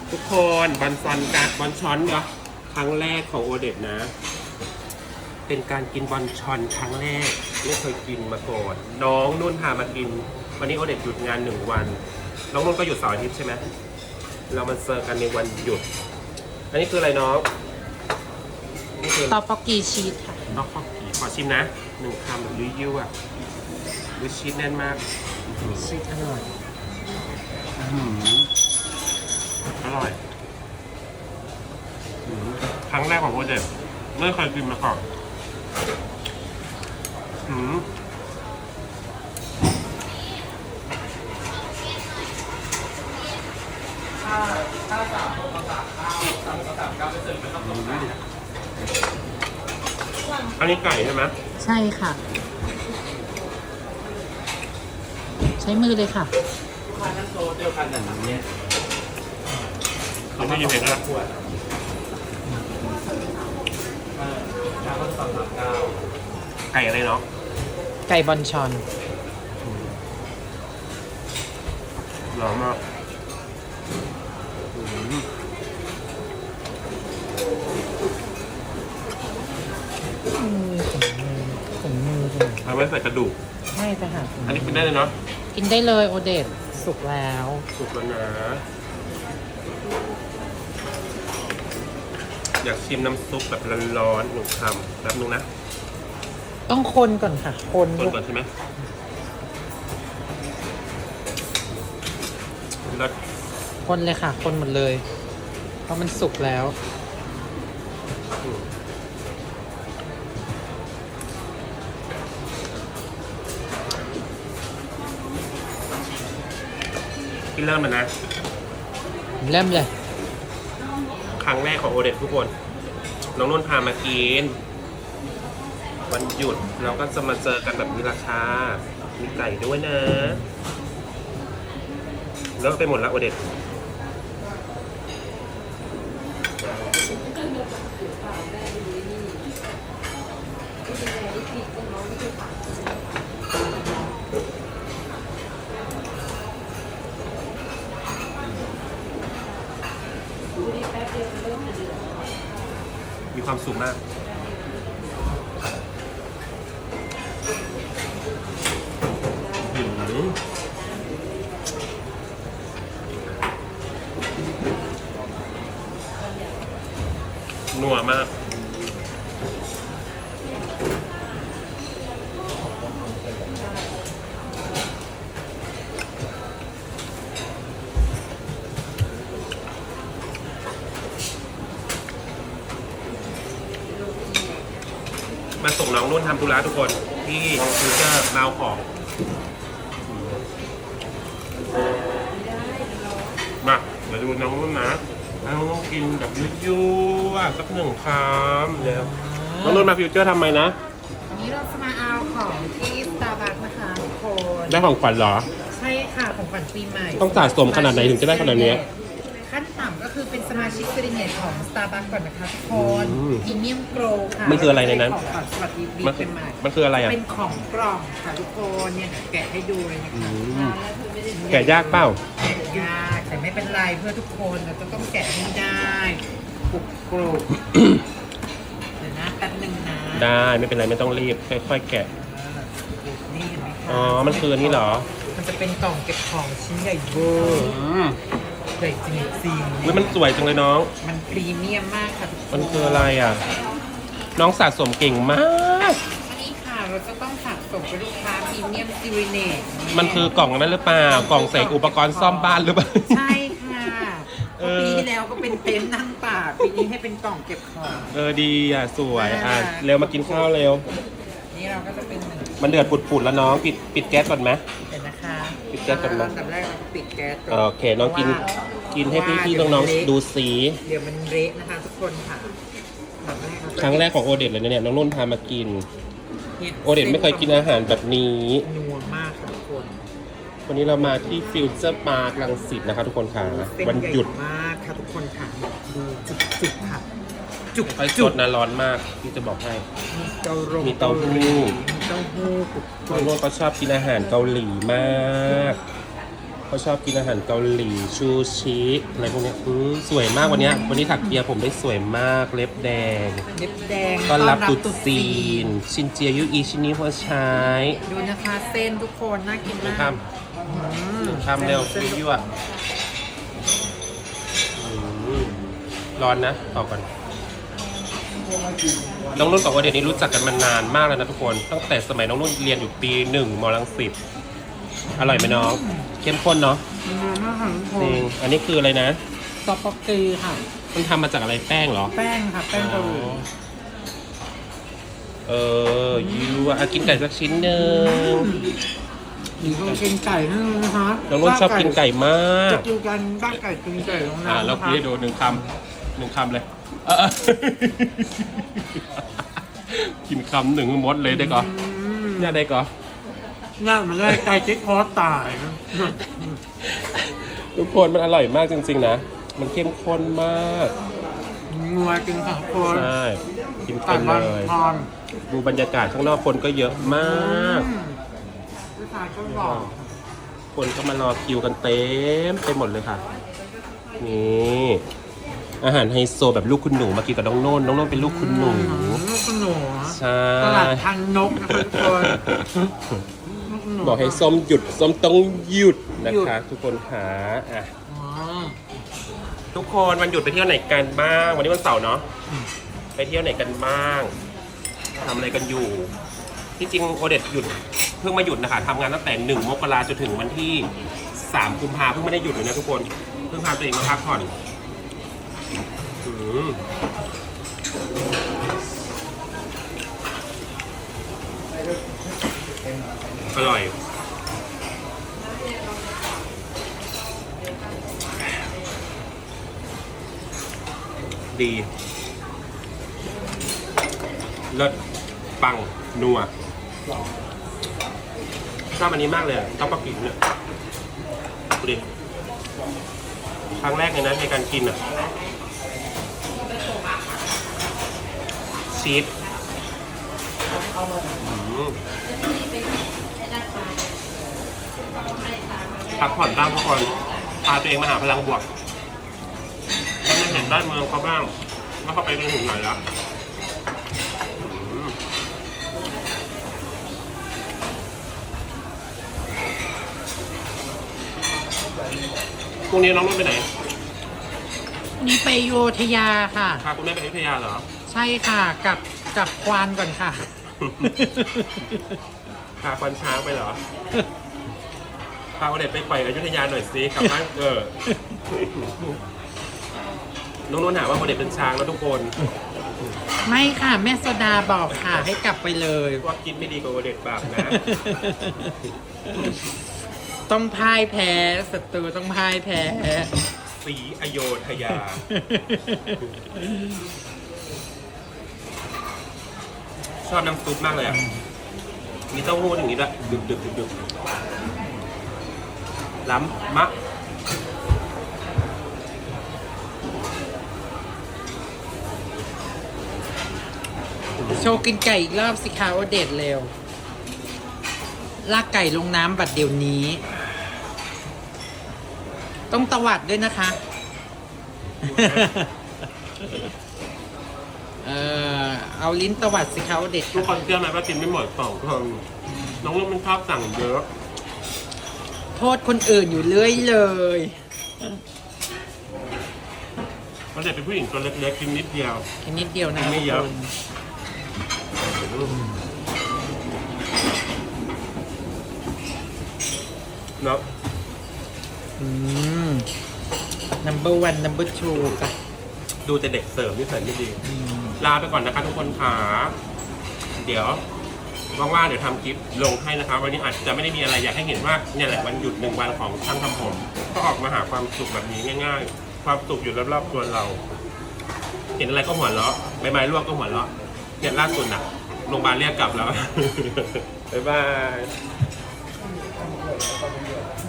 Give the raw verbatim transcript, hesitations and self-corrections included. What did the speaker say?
ทุกคนบอลซอนกับบอลช้อนเนาะครั้งแรกของโอเดตนะ เป็นการกินบอลชอนครั้งแรกไม่เคยกินมาก่อนน้องนุ่นพามากินวันนี้โอเดตหยุดงานหนึ่งวันน้องนุ่นก็หยุดเสาร์อาทิตย์ใช่ไหมเรามาเจอกันในวันหยุดอันนี้คืออะไรน้องนี่คือตอปอกกีชีสค่ะน้องข้าวผีขอชิมนะหนึ่งคำแบบยุ่ยยุ่ยอ่ะดูชีสแน่นมากชีสอร่อยอื้อหืออร่อยอื้อหือครั้งแรกของโอเดตไม่เคยกินมาก่อนอืมถ้าถ้าสามโมงสามเก้าสามโมงสามเก้าไปเสิร์ฟเป็นข้าวต้มไก่อันนี้ไก่ใช่ไหมใช่ค่ะ ใช้มือเลยค่ะลูกค้านั่งโต๊ะเดียวกันแต่น้ำเนี่ยเขาไม่ยินเห็นนะขวดเออชาก็สองสามเก้าไก่อะไรเนาะไก่บอลชอนหอมมากอืมถุงมือถุงมือเลยเอาไว้ใส่กระดูกใช่แต่ค่ะอันนี้กินได้เลยเนาะกินได้เลยโอเดตสุกแล้วสุกแล้วนะอยากชิมน้ำซุปแบบร้อนๆหนึ่งคำแป๊บนึงนะต้องคนก่อนค่ะ คนต้นก่อนใช่ไหมแล้วคนเลยค่ะ คนหมดเลย เพราะมันสุกแล้วกินเริ่มมันนะเริ่มเลยครั้งแรกของโอเดตทุกคน น้องนุ่นพามากิน วันหยุดเราก็จะมาเจอกันแบบมีราคา มีไก่ด้วยนะ แล้วไปหมดแล้วโอเดตมีความสุขมากหืมนัวมาก มาส่งน้องนุ่นทำธุระทุกคนที่ฟิวเจอร์มาเอาของมาเดี๋ยวดูน้องนุ่นนะน้องนุ่นกินแบบยั่วๆสักหนึ่งคำเดี๋ยวน้องนุ่นมาฟิวเจอร์ทำไมนะวันนี้เราจะมาเอาของที่ Starbucks นะคะทุกคนได้ของขวัญเหรอใช่ค่ะของขวัญปีใหม่ต้องสะสมขนาดไหนถึงจะได้ขนาดเนี้ยขั้นต่ำก็คือเป็นสมาชิกเซริเนตของ Starbucks ก่อนนะคะทุกคนอืมพรีเมียมโกรค่ะมันคืออะไรในนั้นของขวัญสวัสดีปีมันใหม่มันคืออะไรอ่ะเป็นของกล่องค่ะทุกคนเนี่ยแกะให้ดูเลยนะคะอืม แกะยากเปล่าแกะยากแต่ไม่เป็นไรเพื่อทุกคนเราจะต้องแกะให้ได้กรุบกรุบ เดี๋ยวนะแป๊บหนึงนะได้ไม่เป็นไรไม่ต้องรีบค่อยๆแกะนี่เห็นไหมคะอ๋อมันคืออันนี้เหรอมันจะเป็นกล่องเก็บของชิ้นใหญ่เวอร์อืมใหญ่จริงอุ๊ยมันสวยจังเลยน้องๆมันพรีเมียมมากค่ะทุกคนมันคืออะไรอ่ะ น้องสะสมเก่งมากอันนี้ค่ะเราจะต้องสั่งส่งไปลูกค้าพรีเมียมซิริเนตมันคือกล่องนั้นหรือเปล่ากล่องใส่อุปกรณ์ซ่อมบ้านหรือเปล่าใช่ค่ะเออปีที่แล้วก็เป็นเต็นท์นั่งป่าปีนี้ให้เป็นกล่องเก็บของเออดีอ่ะสวยอ่ะอ่าเร็วมากินข้าวเร็วนี่เราก็จะเป็นหนึ่งมันเดือดปุดๆแล้วน้องปิดปิดแก๊สก่อนไหมเดี๋ยวนะคะปิดแก๊สก่อนนะอันดับแรกเราก็ปิดแก๊สก่อนโอเคน้องกินเพราะว่ากินให้พี่ๆน้องๆดูสีเดี๋ยวมันเละนะคะทุกคนค่ะอันดับแรกเาจะครั้งแรกของโอเดตเลยนะเนี่ยน้องนุ่นพามากินห็ดโอเดตไม่เคยกินอาหารแบบนี้นัวมากค่ะทุกคนวันนี้เรามาที่ฟิวเจอร์พาร์ครังสิตนะคะทุกคนค่ะเส้วันหยุดใญ่มากค่ะทุกคนค่ะดูจุกๆค่ะ จุกไฟสจุดนะร้อนมากพี่จะบอกให้มีเต้าหู้มีเต้าหู้มีเต้าหู้กรุบน้องนุ่นก็ชอบกินอาหารเกาหลีมากเขาชอบกินอาหารเกาหลีชูชิอะไรพวกเนี้ยอืมสวยมากวันเนี้ยวันนี้ถักเปียผมได้สวยมากเล็บแดงเล็บแดงต้อนรับตรุษตุ๊จีน ชินเจียยุอีชินิหัวใช้ดูนะคะเส้นทุกคนน่ากินหนึ่งมากคำหนึ่งคำเร็วยั่วๆอืมร้อนนะต่อก่อนน้องนุ่นกับวเดชนี้รู้จักกันมานานมากแล้วนะทุกคนตั้งแต่สมัยน้องนุ่นเรียนอยู่ปีหนึ่งมรังสิตอร่อยไหมน้องเข้มข้นเนาะอืมมากค่ะทุกคจรินงอันนี้คืออะไรนะซอปปอกกีค่ะมันทำมาจากอะไรแป้งเหรอแป้งค่ะ แป้งเกาหลีเออยูอ่ะกินไก่สักชิ้นหนึ่งหญิงต้องกินไก่นั่นนะคะน้องนุ่นชอบกินไก่มากจะกินกันบ้างไก่กินไก่ตรงนั้อ่ะนเรานะคะพี่ให้ดูหนึ่งคำหนึ่งคำเลยเออ กินคำหนึ่งมดเลยได้ก่อนอืมเนี่ยได้ก่อนน่ามันได้ไก่จิ๊กคอตายนะทุกคนมันอร่อยมากจริงๆนะ มันเข้มข้นมากงัวกินค่ะทุกคนใช่กินไก่เต็มมันเลยทอนดูบรรยากาศข้างนอกคนก็เยอะมากอืมผู้ชายก็หล่อคนก็มารอคิวกันเต็มไปหมดเลยค่ะ นี่อาหารไฮโซแบบลูกคุณหนูมากินกับน้องโน่นน้องโน่นเป็นลูกคุณหนูลูกคุณหนูใช่ตลาดทันนกนะคะทุกคนลูกคุณนูบอกให้ส้มหยุดส้มต้องหยุดนะหยุดคะ ทุกคนค่ะอ่ะอ๋อทุกคนวันหยุดไปเที่ยวไหนกันบ้าง วันนี้วันเสาร์เนาะไปเที่ยวไหนกันบ้างทำอะไรกันอยู่ ที่จริงโอเดตหยุดเพิ่งมาหยุดนะคะทำงานตั้งแต่หนึ่งมกราจนถึงวันที่สามกุมภาเพิ่งไม่ได้หยุดเลยนะทุกคนเพิ่งพาตัวเองมาพักผ่อนอืมอร่อยดีเลิศปังนัวชอบอันนี้มากเลยอะต้องปลากินเนี่ยดูดิครั้งแรกเลยนะในการกินอ่ะชีสอืมพักผ่อนบ้างทุกคนพาตัวเองมาหาพลังบวกให้มันเห็นด้านเมืองเขาบ้างว่าเขาไปเป็นถึงไหนแล้วอืมพรุ่งนี้น้องนุ่นไปไหนนี่ไปโยธยาค่ะพาคุณแม่ไปอยุธยาเหรอใช่ค่ะกลับกลับควานก่อนค่ะพาควันช้างไปเหรอ พาเอาเด็กไปปล่อยอยุธยาหน่อยสิกลับบ้านเออ น้องนุ่นหาว่าโมเด็กเป็นช้างแล้วทุกคนไม่ค่ะ แม่โซดาบอกค่ะ ให้กลับไปเลยว่ากินไม่ดีกว่าโมเด็กบาปนะต้องพ่ายแพ้ศัตรูต้องพ่ายแพ้สีอโยธยา ชอบน้ำซุปมากเลยอ่ะ มีเต้าหู้อย่างนี้ด้วยดึบดึบดึบดึบล้ำมะโชว์กินไก่อีกรอบสิคะโอเดตเร็ว ลากไก่ลงน้ำบัดเดี๋ยวนี้ ต้องตวัดด้วยนะคะ เออเอาลิ้นตวัดสิคะโอเดตทุกคนเชื่อไหมว่ากินไม่หมดสองคนน้องลูกมันชอบสั่งเยอะโทษคนอื่นอยู่เรื่อยเลยมันจะเป็นผู้หญิงตัวเล็กๆกินนิดเดียวแค่นิดเดียวนะไม่เยอะทุกคนเนาะอืม number one number two จ้ะดูแต่เด็กเสริมนี่ใส่ไม่ดี ลาไปก่อนนะคะทุกคนขาเดี๋ยวว่างๆเดี๋ยวทำคลิปลงให้นะคะวันนี้อาจจะไม่ได้มีอะไรอยากให้เห็นว่าเนี่ยแหละวันหยุดหนึ่งวันของช่างทำผม ก็ออกมาหาความสุขแบบนี้ง่ายๆ ความสุขอยู่รอบๆตัวเรา เห็นอะไรก็หัวเราะใบไม้ร่วงก็หัวเราะเนี่ยล่าสุดน่ะโรงพยาบาลเรียกกลับแล้ว บ๊ายบาย